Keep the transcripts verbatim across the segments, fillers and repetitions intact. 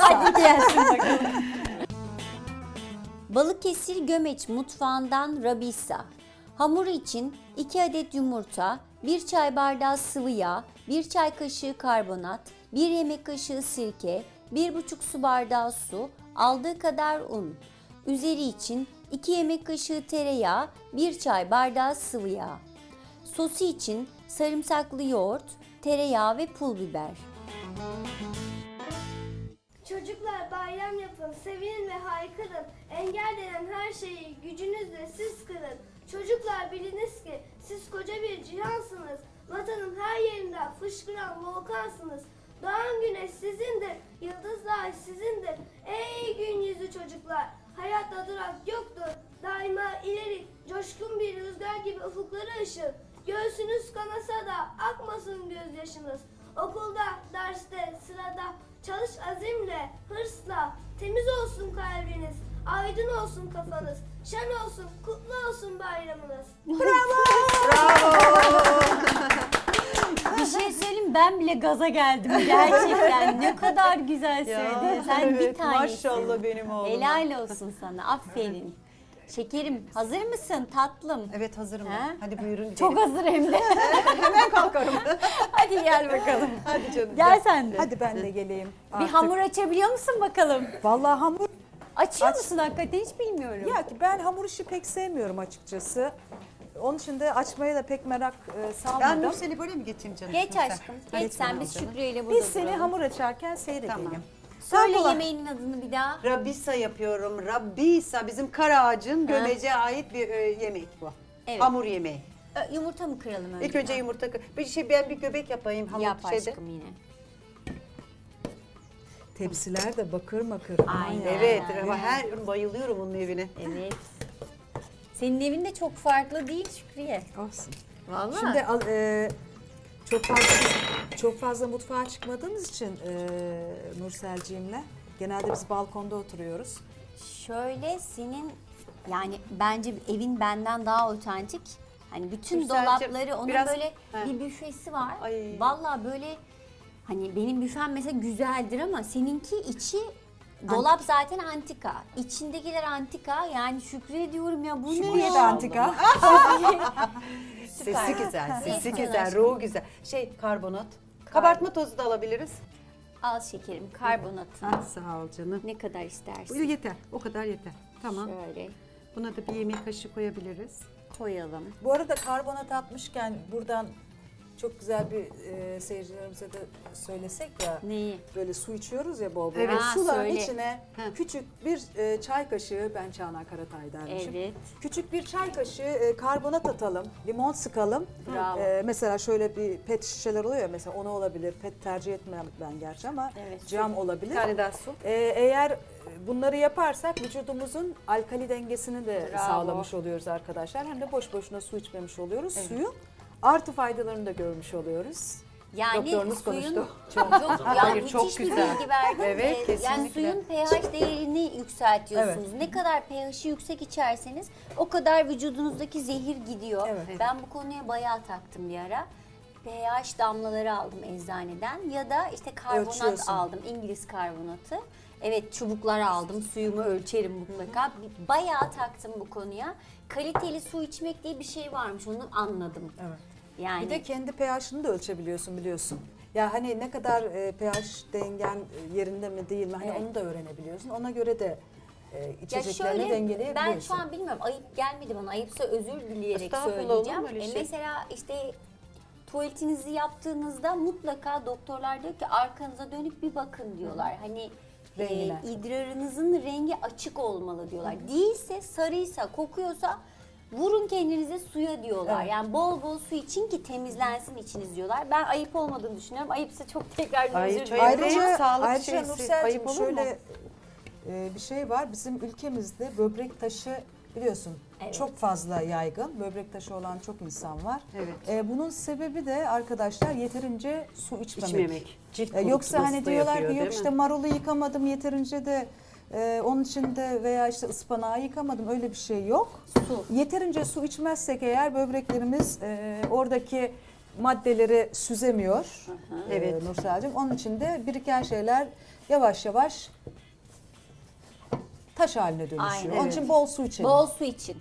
Hadi gelsin bakalım. Balıkesir Gömeç mutfağından Rabisa. Hamuru için iki adet yumurta, bir çay bardağı sıvı yağ, bir çay kaşığı karbonat, bir yemek kaşığı sirke, bir buçuk su bardağı su, aldığı kadar un. Üzeri için iki yemek kaşığı tereyağı, bir çay bardağı sıvı yağ. Sosu için sarımsaklı yoğurt, tereyağı ve pul biber. Çocuklar bayram yapın, sevinin ve haykırın. Engel denen her şeyi gücünüzle siz kırın. Çocuklar biliniz ki siz koca bir cihansınız. Vatanın her yerinden fışkıran volkansınız. Doğan güneş sizindir, yıldızlar sizindir. Ey gün yüzü çocuklar, hayatta durak yoktur. Daima ileri, coşkun bir rüzgar gibi ufukları ışın. Göğsünüz kanasa da akmasın gözyaşınız. Okulda, derste, sırada çalış azimle, hırsla. Temiz olsun kalbiniz, aydın olsun kafanız. Şen olsun, kutlu olsun bayramınız. Bir şey söyleyeyim, ben bile gaza geldim gerçekten. Ne kadar güzel söyledin. Sen evet, bir tanesin. maşallah benim oğluma. Helal olsun sana. Aferin. Şekerim, hazır mısın tatlım? Evet hazırım He? ben. Hadi buyurun. Çok gidelim. hazır hem de. Hemen kalkarım. Hadi gel bakalım. Hadi canım. Gel sen de. Hadi ben de geleyim. Bir artık. hamur açabiliyor musun bakalım? Vallahi hamur. Açıyor Aç. musun hakikaten, hiç bilmiyorum. Ya ki ben hamur işi pek sevmiyorum açıkçası. Onun için de açmaya da pek merak e, Ben salmadım. Nursel'i böyle mi geçeyim canım? Geç Nursel. aşkım. Hadi Geç sen, tamam biz canım. Şükrü ile burada Biz seni duralım. hamur açarken seyredelim. Tamam. Söyle Kolay. yemeğinin adını bir daha. Rabisa yapıyorum. Rabisa bizim Karaağaç'ın Gömece'ye ait bir e, yemek bu. Evet. Hamur yemeği. Ö, Yumurta mı kıralım önce? İlk önce yumurta kı- bir şey ben bir göbek yapayım hamur Yap şeyde. aşkım yine. Tepsiler de bakır makır. Aman Aynen. ya. Evet ama her gün bayılıyorum onun evine. Evet. Senin evin de çok farklı değil Şükriye. Olsun. Vallahi. Şimdi al- e, çok fazla çok fazla mutfağa çıkmadığımız için e, Nurselciğimle genelde biz balkonda oturuyoruz. Şöyle senin yani bence evin benden daha otantik. Hani bütün Nurselciğim, dolapları, onun biraz- böyle He. bir büfesi var. Ay. Vallahi böyle hani benim büfem mesela güzeldir ama seninki içi dolap zaten antika. İçindekiler antika. Yani Şükriye diyorum ya, bu ne Şükriye ya? de antika. Süper. Sesi güzel, Ha. sesi Evet, güzel, aşkım. ruhu güzel. Şey karbonat. Kabartma tozu da alabiliriz. Al şekerim, karbonatını. Ah, sağ ol canım. Ne kadar istersin. Bu yeter, o kadar yeter. Tamam. Şöyle Buna da bir yemek kaşığı koyabiliriz. koyalım. Bu arada karbonat atmışken buradan çok güzel bir e, seyircilerimize de söylesek ya. Neyi? Böyle su içiyoruz ya bol bol. Evet. Suların Söyle. içine Ha. küçük bir e, çay kaşığı, ben Çağla Karatay dermişim. Evet. Küçük bir çay kaşığı e, karbonat atalım, limon sıkalım. Bravo. E, mesela şöyle bir pet şişeler oluyor ya, mesela onu olabilir. Pet tercih etmem ben gerçi ama Evet. cam olabilir. Bir tane daha su. E, eğer bunları yaparsak vücudumuzun alkali dengesini de Bravo. sağlamış oluyoruz arkadaşlar. Hem de boş boşuna su içmemiş oluyoruz. Suyun artı faydalarını da görmüş oluyoruz. Yani Doktorunuz suyun konuştu. çok, çok yani Hayır, müthiş çok bir güzel. bilgi verdin. Evet, Ee, Yani kesinlikle. suyun pH değerini yükseltiyorsunuz. Ne kadar pH'i yüksek içerseniz o kadar vücudunuzdaki zehir gidiyor. Evet. Ben bu konuya bayağı taktım bir ara. pH damlaları aldım eczaneden ya da işte karbonat Ölçüyorsun. aldım, İngiliz karbonatı. Evet, çubuklar aldım, suyumu ölçerim mutlaka. Bayağı taktım bu konuya. Kaliteli su içmek diye bir şey varmış, onu anladım. Evet. Yani Bir de kendi pH'ını da ölçebiliyorsun biliyorsun. Ya hani ne kadar e, pH dengen e, yerinde mi değil mi, hani Evet. onu da öğrenebiliyorsun. Ona göre de e, Ya içeceklerini şöyle, dengeleyebiliyorsun. ben şu an bilmiyorum, ayıp gelmedi bana, ayıpsa özür dileyerek Estağfurullah, söyleyeceğim. olur mu öyle E şey? mesela işte tuvaletinizi yaptığınızda mutlaka doktorlar diyor ki arkanıza dönüp bir bakın diyorlar. Hani e, Rengine. idrarınızın rengi açık olmalı diyorlar. Değilse, sarıysa, kokuyorsa vurun kendinize suya diyorlar. Evet. Yani bol bol su için ki temizlensin içiniz diyorlar. Ben ayıp olmadığını düşünüyorum. Ayıpsa çok tekrar Ay, özür çay- dilerim. Ayrıca- Ayrıca, sağlık ayrıca şeysi, Nursel'cim ayıp olur mu? şöyle e, bir şey var. Bizim ülkemizde böbrek taşı biliyorsun Evet. çok fazla yaygın. Böbrek taşı olan çok insan var. Evet. E, bunun sebebi de arkadaşlar yeterince su içmemek. İçmemek. Cilt E, yoksa hani kurutması da diyorlar yapıyor, ki yok değil işte mi? marulu yıkamadım yeterince de e, onun için de veya işte ıspanağı yıkamadım, öyle bir şey yok. Su. Yeterince su içmezsek eğer böbreklerimiz e, oradaki maddeleri süzemiyor Evet. evet. Nursel'cim. Onun için de biriken şeyler yavaş yavaş taş haline dönüşüyor. Aynen. Onun Evet. için bol su içelim. Bol su için.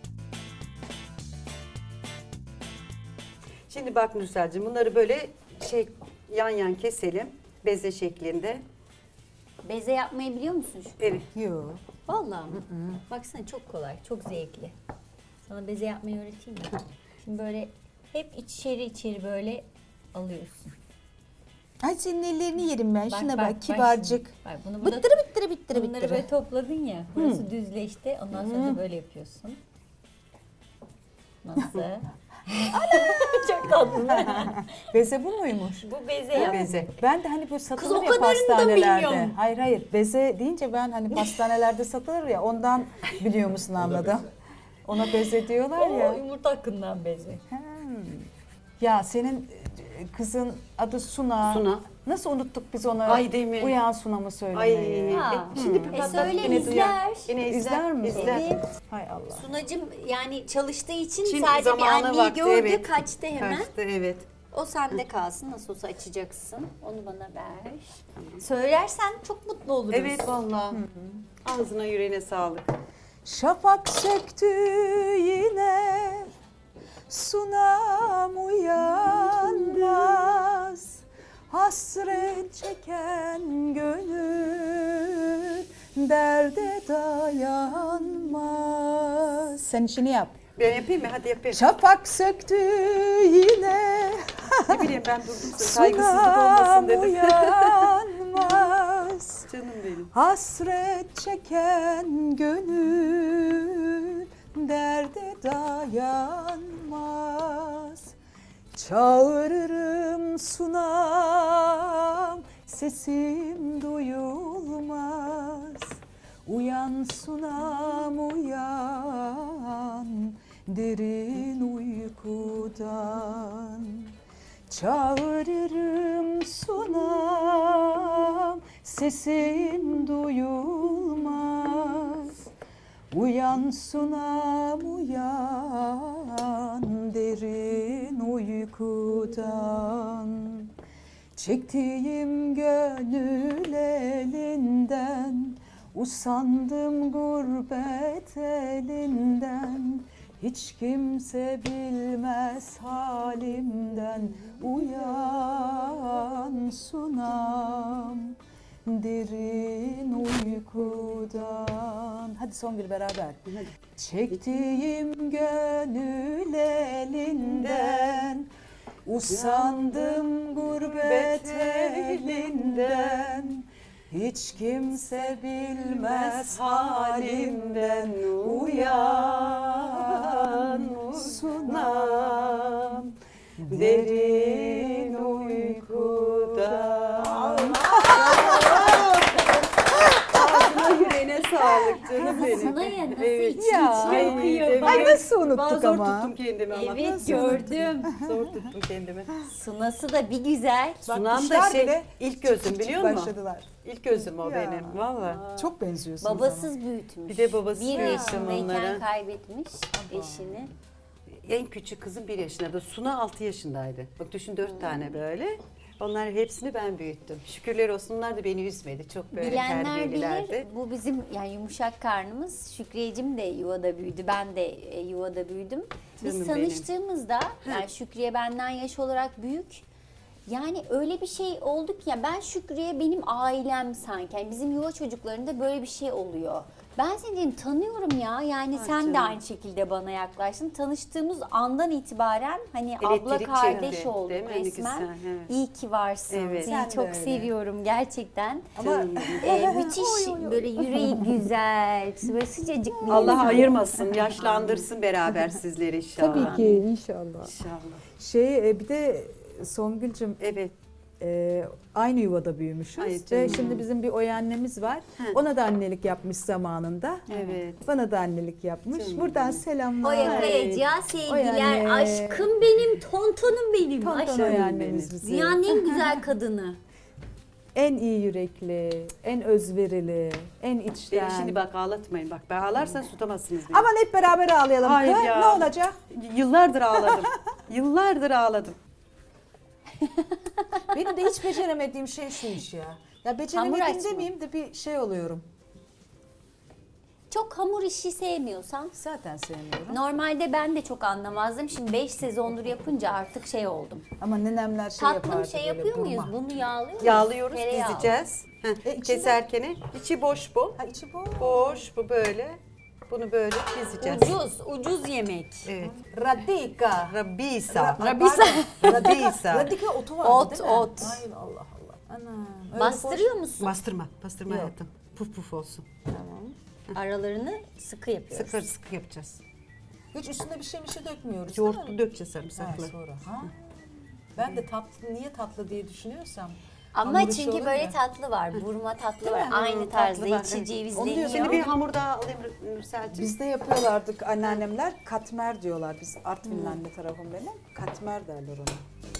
Şimdi bak Nursel'cim bunları böyle şey yan yan keselim. Beze şeklinde. Beze yapmayı biliyor musun şu? Evet. Yok. Vallahi mı? Baksana çok kolay, çok zevkli. Sana beze yapmayı öğreteyim mi? Şimdi böyle hep içeri içeri böyle alıyorsun. Ay senin ellerini yerim ben. Şuna bak, şimdi. kibarcık. Bak, bunu burada, Bittire bittire bittire bunları bittire. böyle topladın ya. Burası düzleşti. Ondan sonra da böyle yapıyorsun. Nasıl? Çok tatlı. Beze bu muymuş? Bu beze yap. Beze. Ben de hani böyle satılır o ya kadarını da pastanelerde. bilmiyorum. Hayır hayır beze deyince ben hani pastanelerde satılır ya ondan biliyor musun anladım. Ona beze diyorlar O ya. yumurta hakkından beze. Ya senin e, kızın adı Suna. Suna. Nasıl unuttuk biz onu? Ay, değil mi? Uyan Suna mı söylemeyi? Ay. Ha. E, şimdi E, patlat söyle, yine duyar. izler. Yine izler, İzler mi? izler. Evet. Hay Allah. Sunacım yani çalıştığı için Şimdi sadece bir zamanı anneyi vakti, gördü, evet. kaçtı hemen. Kaçtı, evet. O sende kalsın. Nasıl olsa açacaksın. Onu bana ver. Söylersen çok mutlu oluruz. Evet vallahi. Ağzına yüreğine sağlık. Şafak söktü yine Sunam uyanmaz Hasret çeken gönül Derde dayanmaz. Sen işini yap. Ben yapayım mı? Hadi yapayım. Şafak söktü yine Ne bileyim ben durdum. Saygısızlık Sunam olmasın dedim. uyanmaz Canım benim. Hasret çeken gönül derde dayanmaz. Çağırırım sunam, sesim duyulmaz. Uyan sunam uyan, derin uykudan. Çağırırım sunam, sesin duyulmaz. Uyan sunam uyan, derin uykudan. Çektiğim gönül elinden, usandım gurbet elinden. Hiç kimse bilmez halimden. Uyan sunam, derin uykudan. Hadi son bir beraber. Çektiğim gönül elinden, usandım gurbet elinden. Hiç kimse bilmez halimden. Uyan sunam, derin uykudan. Ağzına yüreğine sağlık canım benim. Sana ya nasıl Evet. içi Ya. içine okuyor. evet. Bak. Ay nasıl Ben unuttuk zor ama. tuttum kendimi ama. Evet gördüm. Zor tuttum kendimi. Sunası da bir güzel. Sunam da kuşlar şey bile ilk gözüm biliyor musun? Başladılar. İlk gözüm o Ya. benim. Valla. Çok benziyorsunuz ama. Babasız büyütmüş. Bir de babası Bir büyüttü yaşındayken onları. kaybetmiş eşini. En küçük kızım bir yaşında da Suna altı yaşındaydı. Bak düşün dört tane böyle. Onlar hepsini ben büyüttüm. Şükürler olsun onlar da beni üzmedi. Çok böyle Bilenler terbiyelilerdi. bilir. Bu bizim yani yumuşak karnımız. Şükriyeciğim de yuvada büyüdü. Ben de e, yuvada büyüdüm. Biz Canım tanıştığımızda yani Şükriye benden yaş olarak büyük. Yani öyle bir şey oldu ki ya ben Şükriye benim ailem sanki. Yani bizim yuva çocuklarında böyle bir şey oluyor. Ben seni dedim, tanıyorum ya. Yani Ha, sen de canım. aynı şekilde bana yaklaştın. Tanıştığımız andan itibaren hani abla Elektrik kardeş çekti, olduk değil mi? Hani resmen. güzel, evet. İyi ki varsın. Evet. Seni Sen de çok öyle. seviyorum gerçekten. Ama Canım Ee, müthiş böyle yüreği güzel, böyle sıcacık bir Allah insan. ayırmasın, yaşlandırsın beraber sizleri inşallah. tabii ki inşallah. İnşallah. Şey e, bir de Songül'cüm Evet. e, aynı yuvada büyümüşüz. Ay Ve canım. şimdi bizim bir oy annemiz var. He. Ona da annelik yapmış zamanında. Evet. Bana da annelik yapmış. Canım Buradan benim. selamlar. Oya Kayacığa Oy sevgiler, anne. aşkım benim, tontonum benim. Tonton Aşkım. oy annemiz bizi. Dünyanın en güzel kadını. En iyi yürekli, en özverili, en içten. Beni şimdi bak ağlatmayın. Bak ben ağlarsan tutamazsınız beni. Aman hep beraber ağlayalım. Hayır Kız, ya. ne olacak? Yıllardır ağladım. Yıllardır ağladım. Benim de hiç beceremediğim şey şu iş ya. Ya beceremedim açma. demeyeyim de bir şey oluyorum. Çok hamur işi sevmiyorsan. Zaten sevmiyorum. Normalde ben de çok anlamazdım. Şimdi beş sezondur yapınca artık şey oldum. Ama nenemler şey Tatlım yapardı şey böyle yapıyor burma. muyuz? Bunu yağlıyor muyuz? Yağlıyoruz, Tereyağı. dizeceğiz. Heh, E, içinde- keserken içi boş bu. Ha içi bu. Boş bu böyle. Bunu böyle dizeceğiz. Ucuz, ucuz yemek. Evet. Radika. Rabisa. Ra- Rabisa. pardon. Rabisa. Radika otu var Ot, değil mi? ot. Hayır Allah Allah. Anam. öyle Bastırıyor musun? Bastırma, bastırma Yok. hayatım. Puf puf olsun. Aralarını sıkı yapıyoruz. Sıkır sıkı yapacağız. boş. Hiç üstüne bir şey bir şey dökmüyoruz Yoğurtlu değil mi? dökeceğiz Ha, sarımsaklı. sonra. Ha? Ben de tatlı niye tatlı diye düşünüyorsam. Ama hamur işi çünkü olunca- böyle tatlı var. Burma tatlı var. mi? Aynı Hı, tarzda tatlı var, içi evet. cevizli. Onu diyorum. Şimdi bir hamur daha alayım Nursel'cim. Bizde yapıyorlardık anneannemler katmer diyorlar. Biz Artvin'in anne tarafım benim. Katmer derler ona.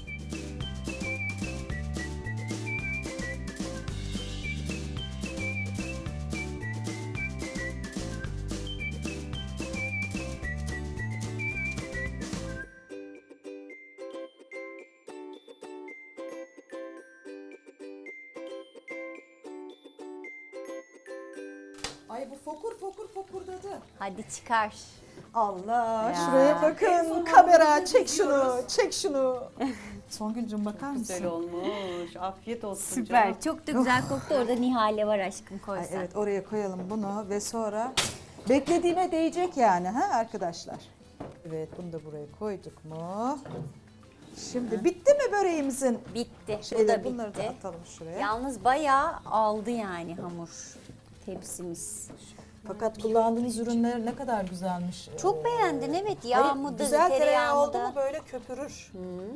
Ay bu fokur fokur fokurdadı. Hadi çıkar. Allah Ya. şuraya bakın kamera çek şunu çek şunu. Songülcüm bakar mısın? Güzel olmuş. Afiyet olsun Süper. canım. Çok da güzel koktu. Orada Nihale var aşkım, koy Ay, sen. evet oraya koyalım bunu ve sonra beklediğime değecek yani ha arkadaşlar. Evet bunu da buraya koyduk mu? Şimdi bitti mi böreğimizin? Bitti. Bu Şeyler, da bunları da bitti. atalım şuraya. Yalnız bayağı aldı yani hamur tepsimiz. Fakat kullandığınız ürünler ne kadar güzelmiş. Çok Ee, beğendin, evet. hayır, Yağ mıdır, güzel tereyağı tereyağı oldu mu mıdır? böyle köpürür.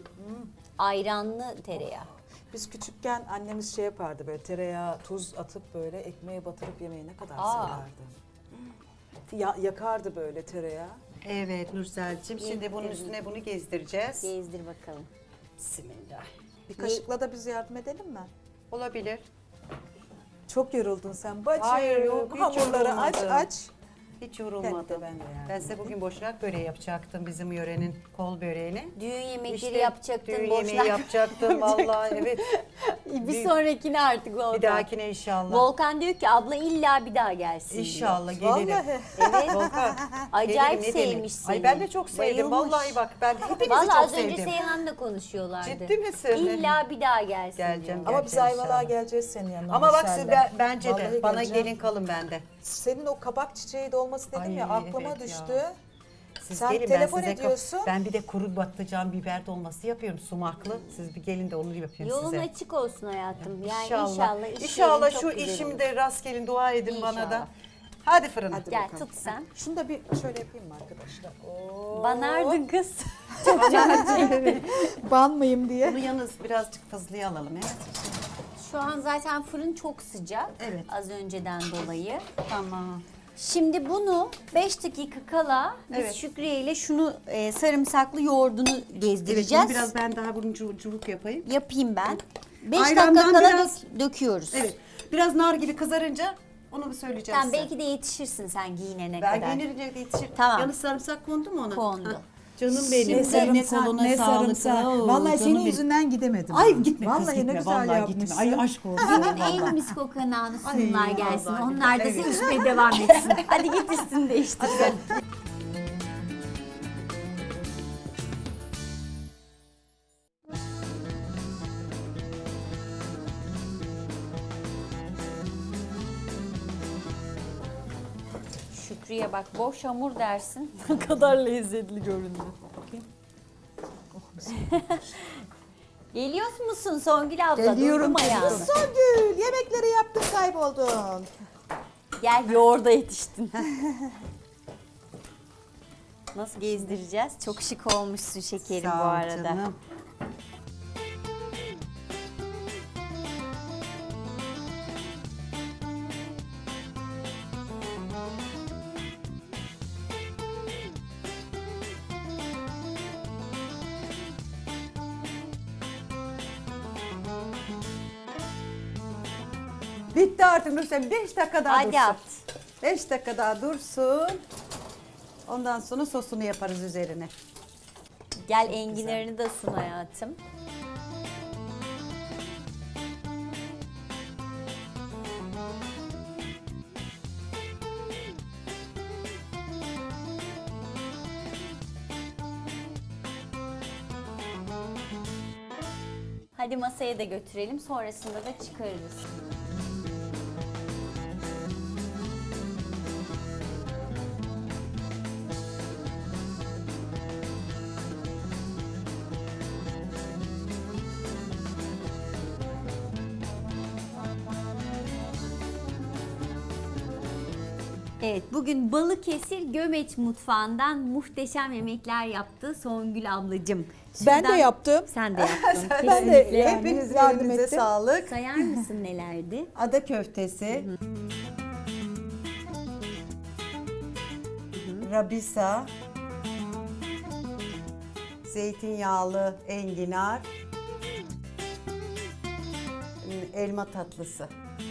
Ayranlı tereyağı. Biz küçükken annemiz şey yapardı böyle tereyağı, tuz atıp böyle ekmeğe batırıp yemeği ne kadar Aa. severdi. Ya, yakardı böyle tereyağı. Evet Nursel'cim. Şimdi bunun üstüne bunu gezdireceğiz. Gezdir bakalım. Bismillah. Bir kaşıkla da biz yardım edelim mi? Olabilir. Çok yoruldun sen bacım. Hayır, yok, hiç Hamurları aç yorulmadım. aç. Hiç yorulmadım. Ben de, ben de yani. Ben size bugün boşnak böreği yapacaktım, bizim yörenin kol böreğini. Düğün yemekleri İşte yapacaktın, düğün boşnak. yemeği yapacaktım vallahi evet. Bir sonrakine artık Volkan. Bir dahakine inşallah. Volkan diyor ki abla illa bir daha gelsin diyor. İnşallah gelirim. Vallahi. Evet. Volkan. Acayip gelirim, ne demek. sevmiş seni. Ay ben de çok sevdim. Bayılmış. Vallahi bak ben hepinizi Vallahi çok az önce sevdim. Seyhan'la konuşuyorlardı. Ciddi misin? İlla bir daha gelsin Geleceğim. diyor. Ama biz Geleceğim Ayvalık'a inşallah. geleceğiz senin yanına. Ama bak Nursel'le. siz ben- bence de Vallahi bana geleceğim. gelin kalın bende. Senin o kabak çiçeği dolması dedim Ay, ya aklıma evet düştü. ya. Siz Sen gelin, telefon ben size kap- ediyorsun. Ben bir de kuru patlıcan biber dolması yapıyorum sumaklı. Siz bir gelin de onu yapıyorum Yolun size. açık olsun hayatım. Yani İnşallah. inşallah. iş İnşallah yerin şu çok güzel olur. işimde rast gelin dua edin bana da. İnşallah. Hadi fırına. Hadi Gel bakalım. tut sen. Şunu da bir şöyle yapayım mı arkadaşlar? Oo. Banardın kız. Banmayayım diye. Bunu yalnız birazcık fazlaya alalım evet. Şu an zaten fırın çok sıcak. Evet. Az önceden dolayı. Tamam. Şimdi bunu beş dakika kala biz Evet. Şükriye ile şunu e, sarımsaklı yoğurdunu Evet, gezdireceğiz. bunu biraz ben daha bunun cu- cıvık yapayım. Yapayım ben. beş Ayrandan dakika kala biraz- dök- döküyoruz. Evet. Biraz nar gibi kızarınca onu bir söyleyeceğim Sen size. belki de yetişirsin sen giyinene ben kadar. gelince yetişir. Tamam. Yalnız sarımsak kondu mu ona? Kondu. Ha, Canım benim. Şimdi- Eline koluna sağlık. Oo, Vallahi canım senin benim. yüzünden gidemedim. Ay ben. gitme Vallahi kız gitme. ne güzel Vallahi yapmışsın. gitme. Ay aşk olsun. Günün en vallahi. mis kokan anı sunumlar Ay, gelsin. vallahi. Onlar da Evet. sevişmeye devam etsin. Hadi git üstünü değiştir sen. Şükrü'ye bak, boş hamur dersin. Ne kadar lezzetli göründü. Bakayım. Geliyor musun Songül abla? Geliyorum. Duydum ayağını. Songül yemekleri yaptın kayboldun. Gel yoğurda yetiştin. Nasıl gezdireceğiz? Çok şık olmuşsun şekerim Sağ bu ol arada. canım. Bitti artık Nursel. Beş dakika daha Hadi dursun. at. Beş dakika daha dursun. Ondan sonra sosunu yaparız üzerine. Gel enginarını da sun hayatım. Hadi masaya da götürelim, sonrasında da çıkarırız. Evet, bugün Balıkesir Gömeç mutfağından muhteşem yemekler yaptı Songül ablacığım. Ben de Şuradan- yaptım. Sen de yaptın. Ben de Kesinlikle. yani Hepinizin yardım elinize ettim. sağlık. Sayar mısın nelerdi? Ada köftesi, rabisa, zeytinyağlı enginar, elma tatlısı.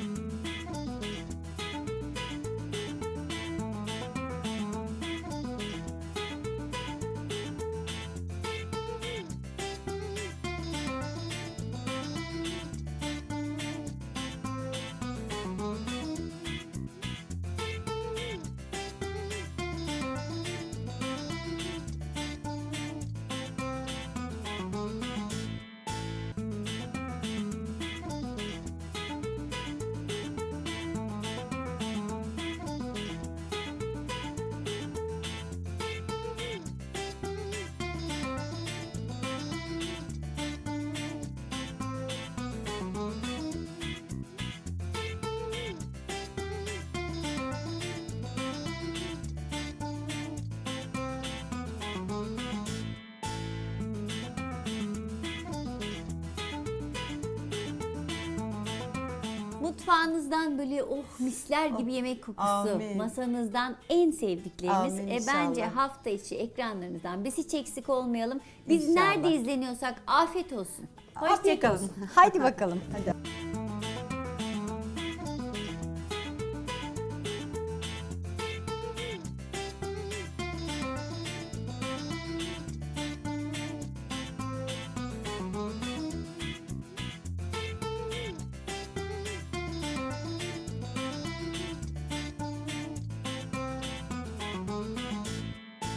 Mutfağınızdan böyle oh misler gibi yemek kokusu, Amin. masanızdan en sevdiklerimiz. Amin E, inşallah. bence hafta içi ekranlarınızdan biz hiç eksik olmayalım. Biz İnşallah. nerede izleniyorsak afiyet olsun. Afiyet Hoşçakalın. olsun. Haydi bakalım. Hadi.